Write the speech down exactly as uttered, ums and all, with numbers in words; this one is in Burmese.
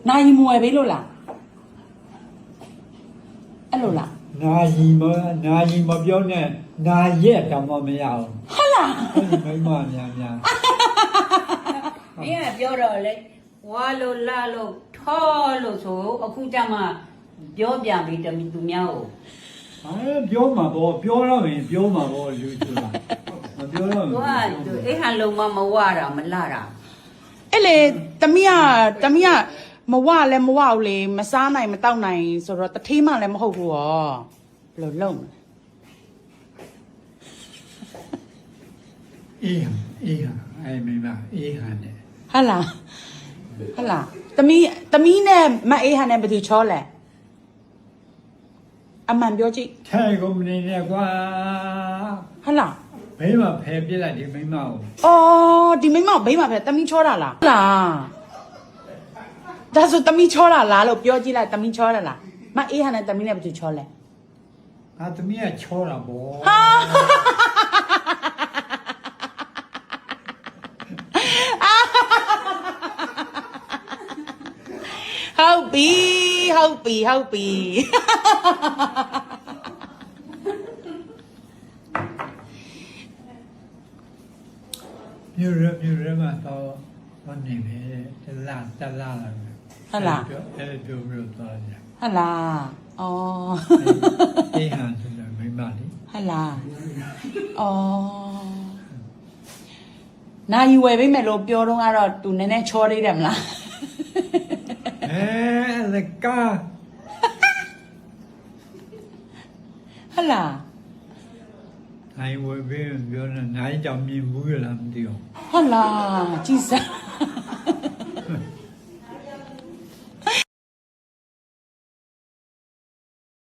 နိုင်မွယ်ပေးလို့လားအဲ့လိုလားနာယီမနာယီမပြောနဲ့နာရက်တောင်မှမရအောင်ဟုတ်လားအဲ့ဒီမိမများများမင်းကပြောတော့လေဝါလို့လာလို့ထောလို့ဆိုအခုကြမှာပြောပြန်ပြီတမီသူများကိုအဲပြောမှာပေါ့ပြောတော့ရင်ပြောမှာပေါ့လူဆိုတာမပြောတော့သူဘူးကသူအိမ်ဟာလုံးမမဝတာမလာတာအဲ့လေတမီးကတမီးကမဝလည်းမဝဘူးလေမစားနိုင်မတောက်နိုင်ဆိုတော့တထေးမှလည်းမဟုတ်ဘူးရောဘယ်လိုလုပ်မလဲအေးအေးဟာအဲ့မိမအေးဟာနဲ့ဟုတ်လားဟုတ်လားတမီးတမီးနဲ့မအေးဟန်နဲ့ဘယ်သူချောလဲအမှန်ပြောကြည့်ထဲကုန်မနေနဲ့ကွာဟုတ်လားဘေးမှာဖယ်ပြစ်လိုက်ဒီမိမကိုအော်ဒီမိမဘေးမှာပဲတမီးချောတာလားဟုတ်လားဒါဆိုတမီးချောတာလားလို့ပြောကြည့်လိုက်တမီးချောတာလားမအေးဟန်နဲ့တမီးနဲ့ဘယ်သူချောလဲငါသမီးကချောတာပေါ့ဟာဟုတ်ပြီဟုတ်ပြီဟုတ်ပြီမြို့ရမြို့ရမှာတော့မနေပဲတလားတလားလာပဲဟုတ်လားအဲ့ပြောပြောသွားကြဟုတ်လားအော်အေးဟာဆိုတော့မိမလေးဟုတ်လားအော်နိုင်ဝယ်ပေးမယ်လို့ပြောတော့ကတော့သူနည်းနည်းချောသေးတယ်မလားအဲလကာဟုတ်လားနိုင်ဝယ်ပြီးပြောနေနိုင်ကြောင်မြင်ဘူးလားမသိဘူးဟုတ်လားကြည်စမ်း